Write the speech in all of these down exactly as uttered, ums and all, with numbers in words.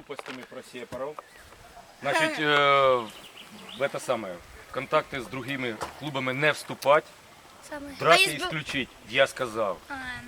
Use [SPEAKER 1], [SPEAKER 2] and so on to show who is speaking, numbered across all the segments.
[SPEAKER 1] глупостями про сепаров. Значить, е, в это самое, в контакти з другими клубами не вступати, драки исключить, я сказав.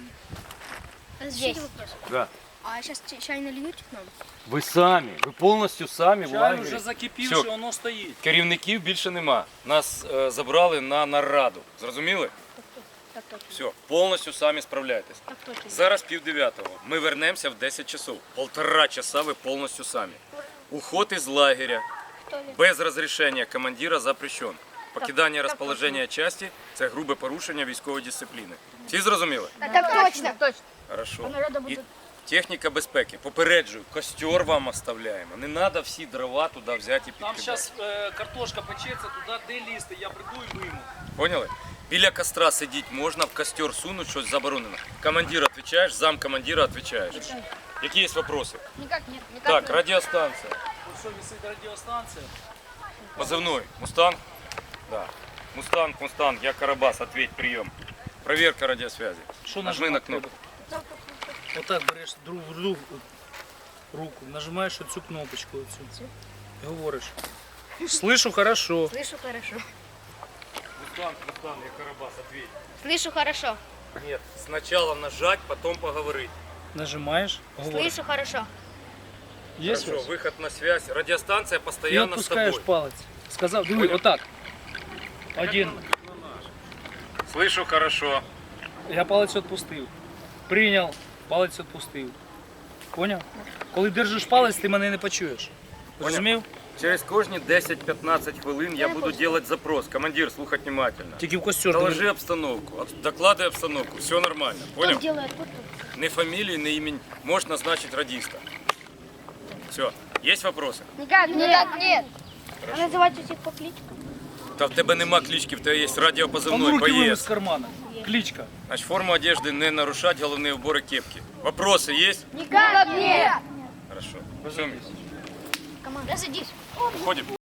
[SPEAKER 2] Здесь вопрос.
[SPEAKER 1] Да.
[SPEAKER 2] А сейчас чай нальют нам?
[SPEAKER 1] Ви самі, ви повністю самі в
[SPEAKER 3] Чай
[SPEAKER 1] лагері.
[SPEAKER 3] вже закипівши,
[SPEAKER 1] Все.
[SPEAKER 3] воно стоїть.
[SPEAKER 1] Керівників більше нема. Нас е, забрали на нараду. Зрозуміли?
[SPEAKER 2] Так точно.
[SPEAKER 1] Все, повністю самі справляйтесь.
[SPEAKER 2] Так точно.
[SPEAKER 1] Зараз пів дев'ятого. Ми вернемося в десять часов. Полтора часа ви повністю самі. Уход із лагеря без розрішення командира запрещен. Покидання розположення частини – це грубе порушення військової дисципліни. Всі зрозуміли?
[SPEAKER 2] Так точно. Точно.
[SPEAKER 1] Хорошо.
[SPEAKER 2] народу
[SPEAKER 1] І
[SPEAKER 2] буде-
[SPEAKER 1] техніка безпеки. Попереджую, костер вам оставляємо. Не треба всі дрова туди взяти і
[SPEAKER 3] Там
[SPEAKER 1] підкидати.
[SPEAKER 3] зараз е, картошка печеться, туди де лізти, я прийду і вийму.
[SPEAKER 1] Поняли? Біля костра сидіти можна, в костер сунуть, щось заборонено. Командир відповідаєш, зам командира відповідаєш. Які є вопроси?
[SPEAKER 2] Никак нет. Никак
[SPEAKER 1] Так,
[SPEAKER 2] нет.
[SPEAKER 1] радіостанція.
[SPEAKER 3] Ось що висить радіостанція.
[SPEAKER 1] Позывной. Мустанг? Да. Мустанг, Мустанг, я Карабас, ответь, прием. Проверка радиосвязи.
[SPEAKER 3] Що
[SPEAKER 1] Нажми на
[SPEAKER 3] нажимати
[SPEAKER 1] кнопку.
[SPEAKER 3] треба? Отак береш друг в друг руку, нажимаєш оцю кнопочку оцю. І говориш. Слышу хорошо.
[SPEAKER 2] Слышу хорошо.
[SPEAKER 1] Мустанг, Мустанг, я Карабас, ответь.
[SPEAKER 2] Слышу хорошо.
[SPEAKER 1] Нет, сначала нажать, потом поговорить.
[SPEAKER 3] Нажимаєш, говориш.
[SPEAKER 2] Слышу хорошо.
[SPEAKER 3] Є
[SPEAKER 1] Хорошо,
[SPEAKER 3] щось?
[SPEAKER 1] выход на связь. Радиостанция
[SPEAKER 3] І
[SPEAKER 1] постоянно с
[SPEAKER 3] відпускаєш
[SPEAKER 1] тобой.
[SPEAKER 3] палець. Сказав, диви, отак. Один.
[SPEAKER 1] Слышу хорошо.
[SPEAKER 3] Я палець відпустив. Прийняв, палець відпустив. Поняв? Коли держиш палець, ти мене не почуєш. Розумів?
[SPEAKER 1] Через кожні десять-пятнадцать хвилин я буду делать запрос. Командир, слухать внимательно.
[SPEAKER 3] Тільки в костюр.
[SPEAKER 1] Доложи обстановку, об- докладывай обстановку, все нормально, понял?
[SPEAKER 2] Делает вот тут.
[SPEAKER 1] Ни фамилии, ни имени, можешь назначить радиста. Все, есть вопросы?
[SPEAKER 2] Никак нет. Никак нет. А называть всех по кличкам?
[SPEAKER 1] Та в тебе нема клички, в тебе є
[SPEAKER 3] Там
[SPEAKER 1] радіопозивний
[SPEAKER 3] руки вийми
[SPEAKER 1] боєць.
[SPEAKER 3] з кармана. Кличка.
[SPEAKER 1] Значить, форму одежды не нарушать, головные уборы кепки. Вопросы есть?
[SPEAKER 2] Никак нет.
[SPEAKER 1] Хорошо. Все,
[SPEAKER 2] Команда. Садись.
[SPEAKER 1] уходим.